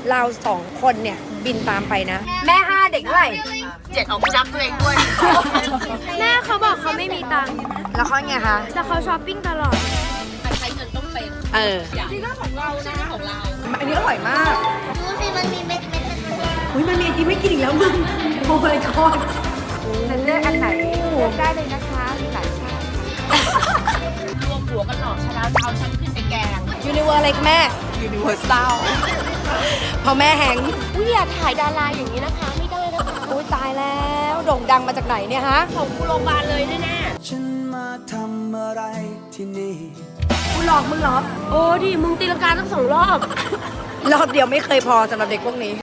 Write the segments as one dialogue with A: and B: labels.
A: เรา2 คนเนี่ยบินตามไปนะ แม่5เด็กเท่าไหร่
B: 7เอาผู้นับตัวเองด้วย
C: แม่เขาบอกเขาไม่มีตังค์
A: แล้วเขาไงคะ
C: แต่เขาช้อปปิ้งตลอด
B: ใช้เงินต้องเป็น
A: นี่ก็ของเรานะของเราอันนี้อร่อยมาก
C: ดูสิมันมีเม็ด
A: อุ้ยมันมีที่ไม่กินอีกแล้วมึงโอ้ยทอดฉันเลือกอันไหนได้เลยนะคะมีหลายชาติ
B: รวมหัวกันหลอกชนะเอาฉันขึ้นไปแกง
A: ยูนิเวอร์อะไรคะแม่
B: Universal
A: พอแม่แหง
C: อุ้ยอย่าถ่ายดาราอย่างนี้นะคะ ไม่ได้นะคะ
A: อุ้ยตายแล้วโด่งดังมาจากไหนเนี่ยฮะ
C: ของกูโรงพยาบาลเลยแน่
D: ฉันมาทำอะไรที่นี่
A: กูหลอกมึงเหรอ
C: ๆโอ้ดิมึงตีลังกาทั้ง2 รอบ
A: รอบเดียวไม่เคยพอสำหรับเด็กพวกนี้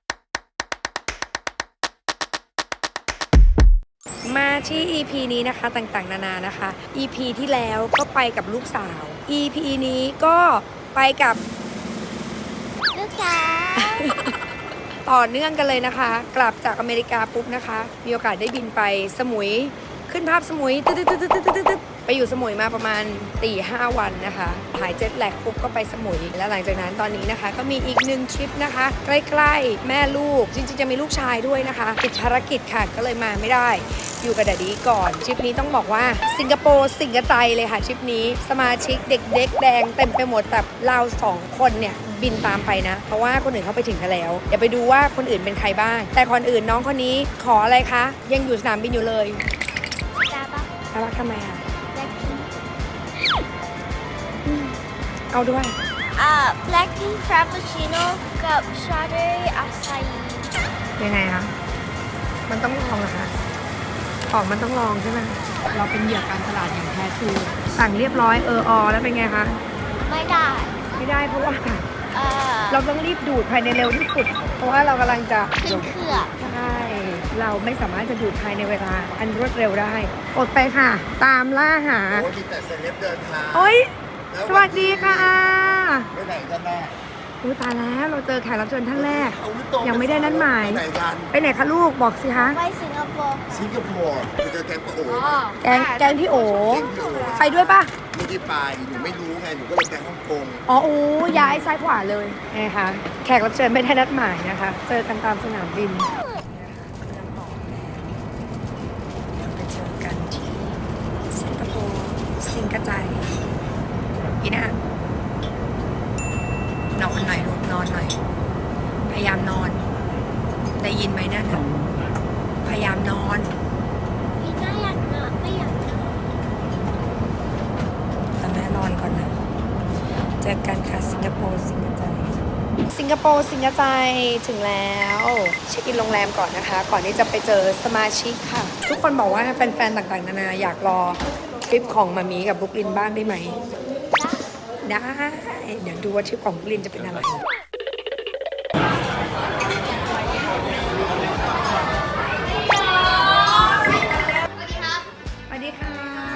A: มาที่ EP นี้นะคะต่างๆนานานะคะ EP ที่แล้วก็ไปกับลูกสาว EP นี้ก็ไปกับ
C: ลูกสาว
A: ต่อเนื่องกันเลยนะคะ กลับจากอเมริกาปุ๊บนะคะ มีโอกาสได้บินไปสมุย ขึ้นภาพสมุยตึ๊ดๆๆๆๆไปอยู่สมุยมาประมาณ 4-5 วันนะคะหายเจ็ตแลกปุ๊บก็ไปสมุย แล้วหลังจากนั้นตอนนี้นะคะ ก็มีอีก1ทริปนะคะ ใกล้ๆแม่ลูกจริงๆจะมีลูกชายด้วยนะคะติดภารกิจค่ะก็เลยมาไม่ได้ อยู่กับแดดดี้ก่อนทริปนี้ต้องบอกว่าสิงคโปร์สิงกระใจเลยค่ะทริปนี้สมาชิกเด็กๆแดงเต็มไปหมดแต่เรา2 คนเนี่ยบินตามไปนะ เพราะว่าคนอื่นเขาไปถึงกันแล้วเดี๋ยวไปดูว่าคนอื่นเป็นใครบ้าง แต่คนอื่นน้องคนนี้ขออะไรคะยังอยู่สนามบินอยู่เลย
C: จ้าปะ
A: น่ารักทำไมอ่ะ
C: แบล็คพิงค์
A: เอาด้วย
C: แบล็คพิงค์ฟรปปูชิโน่กับสตรอเบอรี่อาซาฮิ
A: ยังไงคะมันต้องลองเหรอคะของมันต้องลองใช่ไหมเราเป็นเหยื่อการตลาดอย่างแท้ทรูสั่งเรียบร้อยแล้วเป็นไงคะ
C: ไม่ได้
A: ไม่ได้เพราะว่า
C: เอ่อ
A: เราต้องรีบดูดภายในเร็วที่สุด เพราะว่าเรากำลังจะ
C: ขึ้นเครื่อง
A: ใช่เราไม่สามารถจะดูดภายในเวลาอันรวดเร็วได้อดไปค่ะ ตามล่าหา
E: โอ้มีแต่เซเลบเดินทาง
A: โอ๊ยสวัสดีค่ะอา
E: ไปไหนกันแน่
A: อุ๊ยตายแล้วเราเจอแขกรับเชิญท่านแรก
E: เอาลูกโต
A: ยังไม่ได้นัดหมาย
E: ไปไหนกัน
A: ไปไหนคะลูกบอกสิคะ
C: ไปสิงคโปร์
E: สิงคโปร์ไปเจอแกงปะโอ๋
A: แกงพี่โอ
E: แกงพี่โอ๋
A: ไปด้วยปะ
E: ไม่ได้ไปหนูไม่รู้ไงหนูก็เลยไปฮ่องกง
A: อ๋อโอ้ย้ายซ้ายขวาเลยนะคะแขกรับเชิญไม่ได้นัดหมายนะคะ เจอกันตามสนามบินไปเจอกันที่สิงคโปร์สิงกระจายอีน่านอนหน่อยลูกนอนหน่อย พยายามนอน ได้ยินไหมนั่นน่ะพยายามนอน
C: พี่น่าอยากนอนไม่อยากนอน
A: แต่แม่นอนก่อนนะเจอกันค่ะสิงคโปร์สิงกระจายสิงคโปร์สิงกระจายถึงแล้วเช็คอินโรงแรมก่อนนะคะ ก่อนที่จะไปเจอสมาชิกค่ะ ทุกคนบอกว่าแฟนๆต่างๆนานาอยากรอทริปของมามีกับบุกลินบ้างได้ไหมได้เดี๋ยวดูว่าทริปของบุกลินจะเป็นอะไรสวัสดีค่ะ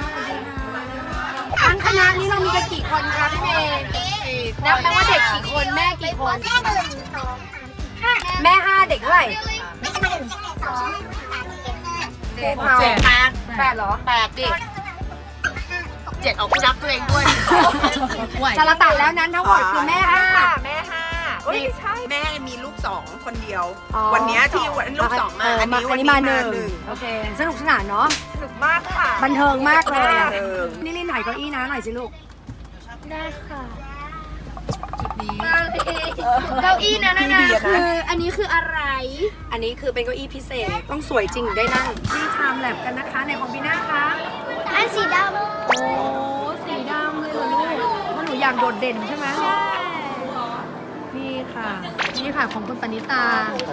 A: ทั้งคณะนี้เรามีกันกี่คนคะพี่เมย์นับแปลว่าเด็กกี่คนแม่กี่คน แม่5เด็กเท่าไหร่เจ็ด
B: 8
A: เหรอ
B: 8ดิ7เอาผู้นับตัวเองด้วย
A: สารตัดแล้วนั้นทั้งหมดคือแม่5
B: แม่5ไม่ใช่แม่มีลูก2คนเดียว
A: อ๋อ
B: วันเนี้ยที่วันลูก2มาอันนี้วันนี้
A: มา
B: มา
A: ห
B: ห
A: นึ่
B: นึ่
A: ง
B: ง
A: โอเค สนุกสนานเนาะ
B: สนุกมากค่ะ
A: บันเทิงมากเลยอะ
B: บันเทิง
A: นี่ลินถ่ายเก้าอี้นะหน่อยสิลูก
C: ได้ค่ะ
B: นี้
C: เก้าอี้นะนะคืออันนี้คืออะไร
A: อันนี้คือเป็นเก้าอี้พิเศษ ต้องสวยจริงถึงได้นั่งที่ชามแลบกันนะคะในของพี่นาคะ
C: อันสีด
A: โอ้สีดำเลยเหรอลูกเพราะหนูอยากโดดเด่นใช่ไหม
C: ำใช่
A: นี่ค่ะ นี่ค่ะของคุณปณิตา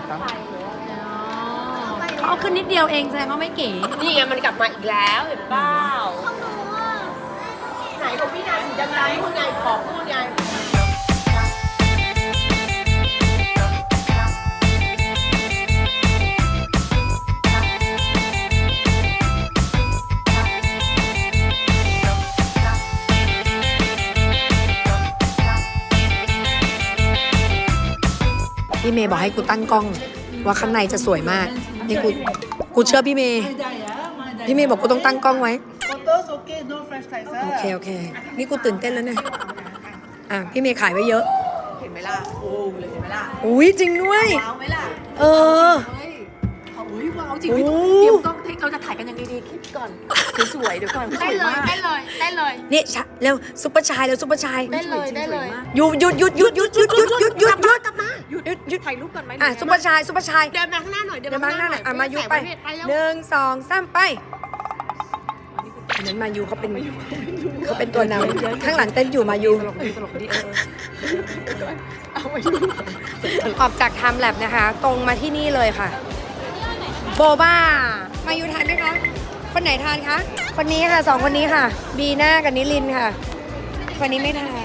A: เขาเอาขึ้นนิดเดียวเองแสดงว่าไม่เก๋
B: นี่ไงมันกลับมาอีกแล้วเห็นเปล่าไหนของพี่นายสีดำๆพูดไงขอพูดไง
A: พี่เมย์บอกให้กูตั้งกล้องว่าข้างในจะสวยมากนี่กูเชื่อพี่เมย์พี่เมย์บอกกูต้องตั้งกล้องไว้โอเคนี่กูตื่นเต้นแล้วเนี่ยพี่เมย์ขายไว้เยอะ
B: เห็นไหมล่ะโอ้เลยเห็นไหมล่ะ
A: อุ้ยจริงด้วย
B: ว้าวไหมล่ะ
A: เออ
B: เฮ้ยเอาเฮ้ยว้าวจริง
A: โอ้
B: พี่ต้องเตรียมกล้องเราจะถ่ายกันยังไงดีคิดก่อนสวยๆเดี๋ยวก่อนสวยมาก
C: ได้เลย
A: นี่เร็วซุปเปอร์ชายเร็วซุปเปอร์ชาย
C: ได้เลย
A: หยุด
B: ถ่ายรูปก่อนไหม
A: อ่ะซุปเปอร์ชายซุปเปอร์ชาย
B: เดินมาข้างหน้าหน่อย
A: เดี๋ยวมาข้างหน้าหน่อยอ่ะมายูไป
B: แล้ว
A: 1 2 3ไปอันนั้นมายูเขาเป็นตัวนำข้างหลังเต้นอยู่มายู
B: ตลกดีเอาไว้ดู
A: ออกจากไทม์แลบนะคะ ตรงมาที่นี่เลยค่ะ โบบ้า มายูทานไหมคะ คนไหนทานคะ คนนี้ค่ะ2 คนนี้ค่ะ บีน่ากับนิลินค่ะ คนนี้ไม่ทาน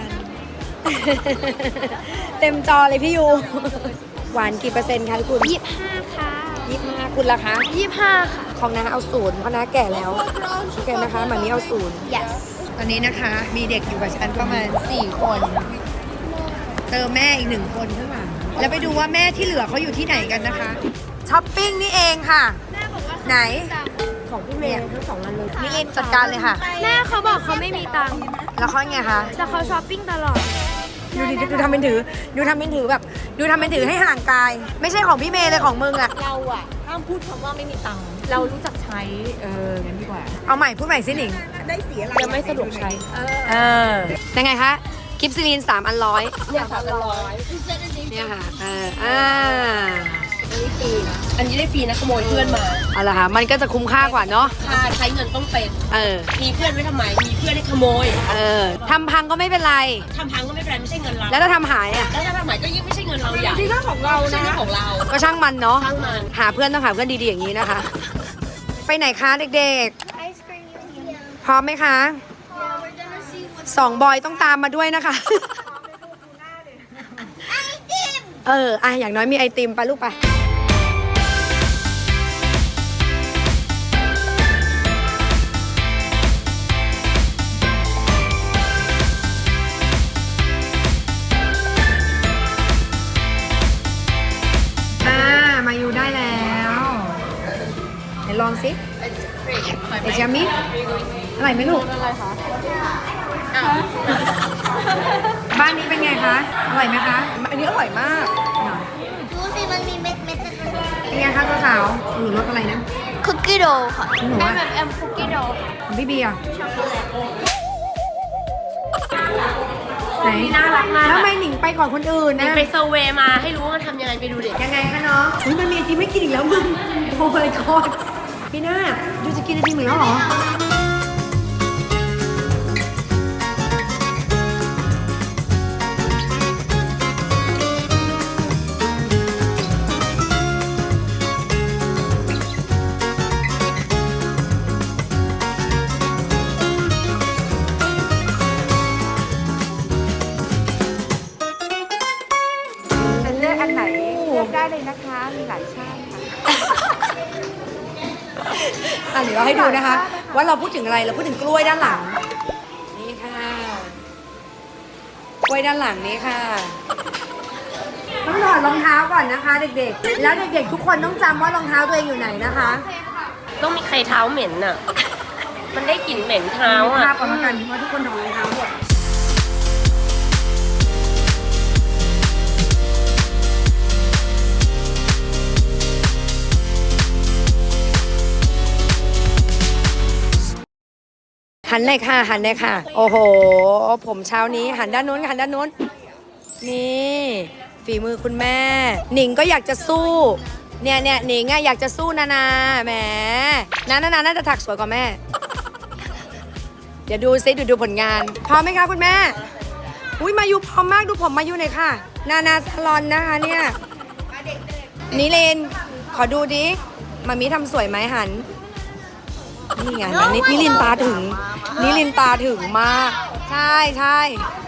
A: เต็มจอเลยพี่ยู หวานกี่เปอร์เซ็นต์คะคุณ
C: 25 ค่ะ
A: 25คุณล่ะคะ
C: 25 ค่ะ
A: ของน้าเอา0เพราะน้าแก่แล้วโอเคนะคะหมามีเอา0
C: yes
A: ตอนนี้นะคะมีเด็กอยู่กับฉันประมาณ4 คนเจอแม่อีก1 คนข้างหลังแล้วไปดูว่าแม่ที่เหลือเขาอยู่ที่ไหนกันนะคะช้อปปิ้งนี่เองค่ะ ไหนของพี่เมย์ทั้ง2 อันเลยนิลินจัดการเลยค่ะ
C: แม่เขาบอกเขาไม่มีตังค์
A: แล้วเขาไงคะ
C: แต่เขาช้อปปิ้งตลอด
A: ดูทำเป็นถือดูทำเป็นถือแบบดูทำเป็นถือให้ห่างกาย ไม่ใช่ของพี่เมย์เลยของมึงอะ
B: เราอะห้ามพูดคำว่าไม่มีตังค์เรารู้จักใช้งั้นดีกว่า
A: เอาใหม่พูดใหม่สิหนิง
B: ยังไม่สะดวกใช้
A: ยังไงคะคลิปซิลิน3 อัน100
B: เนี่ย300
A: เนี่ยค่ะ
B: อันนี้ได้ฟรีนะขโมยเพื่อนมา
A: เอาละค่ะ มันก็จะคุ้มค่ากว่าเนาะ
B: ค่าใช้เงินต้องเป็น มีเพื่อนไว้ทำไม มีเพื่อนให้ขโมย
A: ทำพังก็ไม่เป็นไร
B: ทำพังก็ไม่เป็นไรไม่ใช่เงินเรา
A: แล้วถ้าทำหายอ่ะ
B: แล้วถ้าทำหมายก็ยิ่งไม่ใช่เงินเราอย่างที่เรื่องของเรานะไม่ใช่ของเรา
A: ก็ช่างมันเนาะ
B: ช่างมัน
A: หาเพื่อนต้องหาเพื่อนดีๆอย่างนี้นะคะ ไปไหนคะเด็ก
C: Ice cream museum
A: ๆ พร้อมไหมคะ
C: yeah we're gonna see what
A: 2 บอยต้องตามมาด้วยนะคะ อย่างน้อยมีไอติมไปลูกไป มาอยู่ได้แล้วไหนลองสิไอจามิอร่อยไหมลูก บ้านนี้เป็นไงคะ อร่อยไหมคะ อันนี้อร่อยมาก
C: ดูสิมันมีเม็ด
A: เป็นไงคะสาวๆหนูรสอะไรนะ
C: คุกกี้โดค่ะ
A: หนูอะ
C: แบบคุกกี้โด
A: ของพี่เบียร์
C: ช็อกโกแลต
A: ไหน
B: นี่น่ารักมาก
A: แล้วทำไมหนิงไปก่อนคนอื่นนะ
B: ไปเซอร์เวย์มาให้รู้ว่าทำยังไงไปดูเด็ก
A: ยังไงคะน้องอุ๊ยมันมีไอติมไม่กินอีกแล้วมึงโอ้ my god พี่หน้าดูจะกินไอติมอีกแล้วเหรอ
B: เลือกอันไหนเลือกได้เลยนะคะ มีหลายชาติค่ะ
A: เดี๋ยวเราให้ดูนะคะ ว่าเราพูดถึงอะไรเราพูดถึงกล้วยด้านหลัง นี่ค่ะกล้วยด้านหลังนี้ค่ะต้องถอดรองเท้าก่อนนะคะ เด็กๆ แล้วเด็กๆทุกคนต้องจำว่ารองเท้าตัวเองอยู่ไหนนะคะ
B: ต้องมีใครเท้าเหม็นอ่ะ มันได้กลิ่นเหม็นเท้า
A: มี
B: อ่ะ
A: ภาพก่อนแล้วกันว่าทุกคนถอดรองเท้าหมดหันเลยค่ะ หันเลยค่ะ โอ้โห ผมเช้านี้หันด้านนู้นหันด้านนู้น นี่ฝีมือคุณแม่ หนิงก็อยากจะสู้ เนี่ยหนิงอะอยากจะสู้นาแหมนาน่าจะถักสวยกว่าแม่ เดี๋ยวดูซิดูผลงาน พร้อมไหมคะคุณแม่ อุ้ยมายูพร้อมมากดูผมมายูหน่อยค่ะ นาซาลอนนะคะเนี่ยนิเลนขอดูดิมามีทำสวยไหมหัน นี่ไงนิลินตาถึงมาก ใช่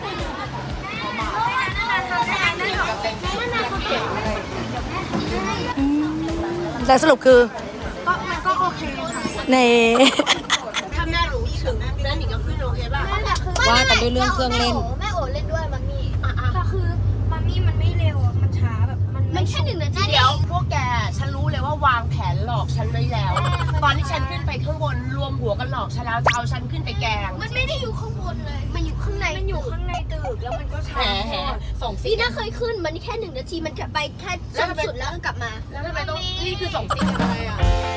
A: แต่สรุปคือมันก็โอเคค่ะเน่
B: ถ้าแม่รู้ถึงนั้นหนิงก็ขึ้นโอเคป่ะ
A: ว่ากันด้วยเรื่องเครื่องเล่น
C: แม่โอเล่นด้วยมัมมี่ก็คือมัมมี่มันไม่เร็วอะมันช้าแบบมันแค่1 นาที
B: เดี๋ยวพวกแกฉันรู้เลยว่าวางแผนหลอกฉันไว้แล้ว ตอนที่ฉันขึ้นไปข้างบนรวมหัวกันหลอกฉันแล้วจะเอาฉันขึ้นไปแกง
C: มันไม่ได้อยู่ข้างบนเลยมันอยู่ข้างใน
B: มันอยู่ข้างในตึกแล้วมันก็ช้าส่งซิ
C: พี่
B: ก
C: น่าเคยขึ้นมันแค่1 นาทีมันจะไปแค่ส้นสุดแล้วก็กลับมา
B: แล้วทำไมต้องนี่คือส่งซิกอะไรอ่ะ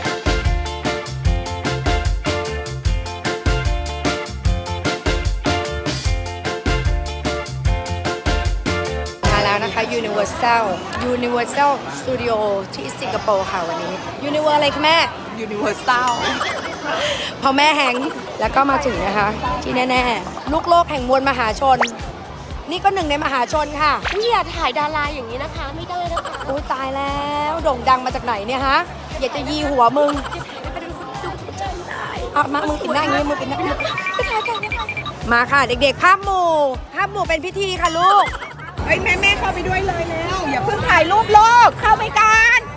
A: มาแล้วนะคะ Universal Studio ที่สิงคโปร์ค่ะวันนี้ Universal อะไรคะแม่
B: Universal
A: พอแม่แฮงก์แล้วก็มาถึงนะคะ ที่แน่ๆ ลูกโลกแห่งมวลมหาชน นี่ก็หนึ่งในมหาชนค่ะ
C: นี่อย่าถ่ายดาราอย่างนี้นะคะ ไม่ได้นะคะ
A: อุ้ยตายแล้วโด่งดังมาจากไหนเนี่ยฮะ อยากจะยีหัวมึงเอามามึงปิดหน้าอย่างนี้มึงปิดหน้ามาค่ะเด็กๆภาพหมู่เป็นพิธีค่ะลูก
B: เฮ้ยแม่เข้าไปด้วยเลยแล้วอย่าเพิ่งถ่ายรูปโลกเข้าไปกัน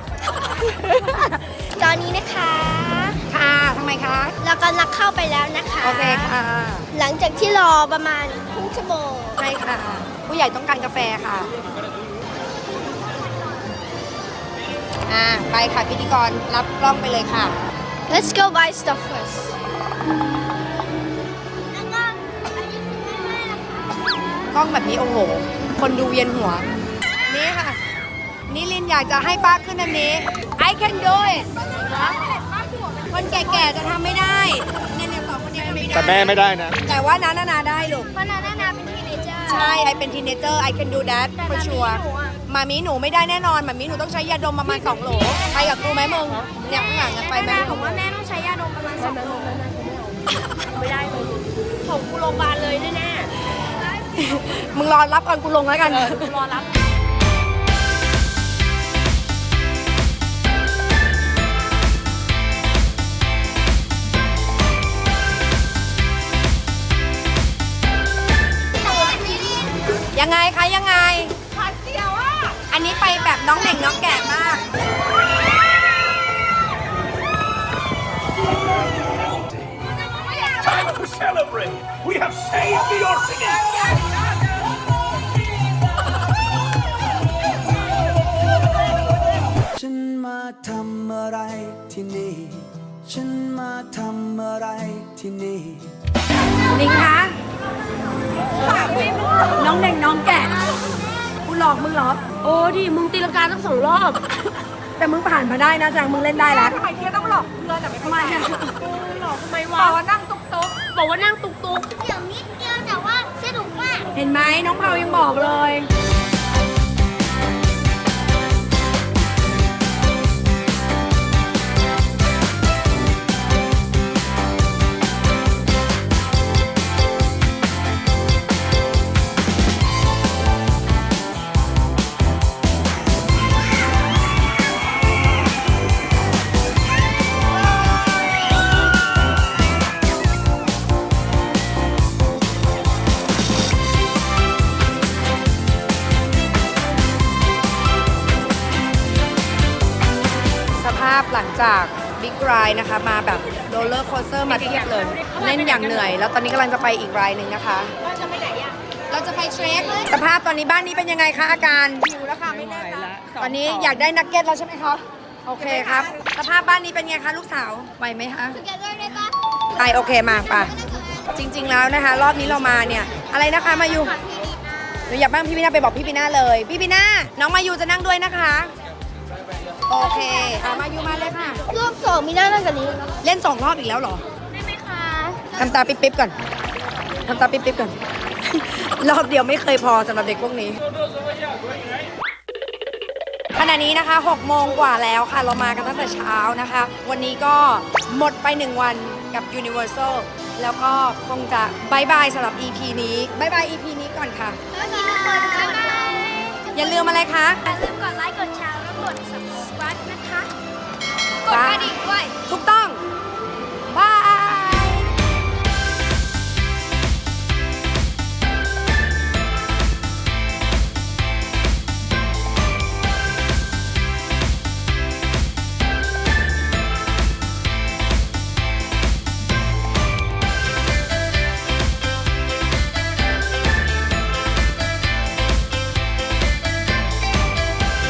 C: ตอนนี้นะคะ
A: ค่ะทำไมคะ
C: เรากำลังเข้าไปแล้วนะคะ
A: โอเคค่ะ
C: หลังจากที่รอประมาณครึ่งชั่วโมง
A: ใช่ค่ะ ผู้ใหญ่ต้องการกาแฟค่ะ ไปค่ะพิธีกรรับกล้องไปเลยค่ะ
C: Let's go buy stuff first แล้วก็อันนี้คือแม่นะคะ
A: กล้องแบบนี้โอ้โห คนดูเวียนหัว นี่ค่ะ นี่ลินอยากจะให้ป้าขึ้นอันนี้ I can do it คนแก่ๆจะทำไม่ได้เนี่ยสองคนนี้ทำไม่ได้
E: แต่แม่ไม่ได้นะ
A: แต่ว่านาได้ลูก
C: เพราะนาเป็นทีเนเจอร์
A: ใช่ไอเป็นทีเนเจอร์ I can do that for sure มามีหนูไม่ได้แน่นอนมามีหนูต้องใช้ยาดมประมาณ2 โหลไปกับกูไหมมึงเนี่ยข้างหลังกันไปไหม
C: แม่บอกว่าแม่ต้องใช้ยาดมประมาณ2 โล
B: ไม่ได้เลยของกูโรงพยาบาลเลยแน่
A: มึงรอรับก่อนกูลงแล้วกัน
B: ๆกูรอรับ
A: ยังไงคะยังไง
B: พันเดียวอ่ะ
A: อันนี้ไปแบบน้องเด็กน้องแก่มาก
F: Time to celebrate! We have saved the orphanage!
D: ฉันมาทำอะไรที่นี่ ฉันมาทำอะไรที่นี่
A: ลิงคะน้องเด็กน้องแก่กูหลอกมึงเหรอ
B: โอ้ดิมึงตีลังกาตั้ง2 รอบ
A: แต่มึงผ่านมาได้นะแจงมึงเล่นได้แล้ว
B: ทำไมเที่ยต้องหลอกเพื่อนอ่ะไม่เข้าใจหลอกทำไมวะบอกว่านั่งตุ๊กบอกว่านั่งตุ๊ก
C: เดี๋ยวนิดเดียวแต่ว่าสนุกมาก
A: เห็นไหมน้องเผายังบอกเลย สภาพหลังจากบิ๊กไรด์นะคะ มาแบบโรลเลอร์โคสเตอร์มาเทียบเลยเล่นอย่างเหนื่อย แล้วตอนนี้กำลังจะไปอีกไรด์หนึ่งนะคะ
B: ว่าจะไปไหนอ่ะ
A: เราจะไปเทรคสภาพตอนนี้บ้านนี้เป็นยังไงคะอาการ
B: หิวแล้วค่ะไม่แน่ละ
A: ตอนนี้อยากได้นักเก็ตแล้วใช่ไหมครับ โอเคครับ สภาพบ้านนี้เป็นไงคะลูกสาวไหวไหมคะ
C: Together ได้ปะ
A: ไปโอเคมาป่ะ จริง ๆแล้วนะคะ รอบนี้เรามาเนี่ย อะไรนะคะมายูหนูอยากบ้างพี่ปีน่าไปบอกพี่ปีน่าเลย พี่ปีน่าน้องมายูจะนั่งด้วยนะคะ โอเคมายูมาเลยค่ะ
C: รอบ2มีหน้านั่งกันนี้
A: เล่น2 รอบอีกแล้วเหรอ
C: ได้ไหมคะ
A: ทำตาปิ๊บๆก่อนทำตาปิ๊บๆก่อน รอบเดียวไม่เคยพอสำหรับเด็กพวกนี้ ขณะนี้นะคะ6 โมงกว่าแล้วค่ะ เรามากันตั้งแต่เช้านะคะ วันนี้ก็หมดไป1 วันกับ Universal แล้วก็คงจะบายบายสำหรับ EP นี้บายบาย EP นี้ก่อนค่ะ
C: แล้วมีทุกคนบ๊ายบาย
A: อย่าลืมอะไรคะ
C: อย่าลืมกดไลค์ กดแชร์ แล้วกด subscribe นะคะ กดกระดิ่งด้วย
A: ถูกต้อง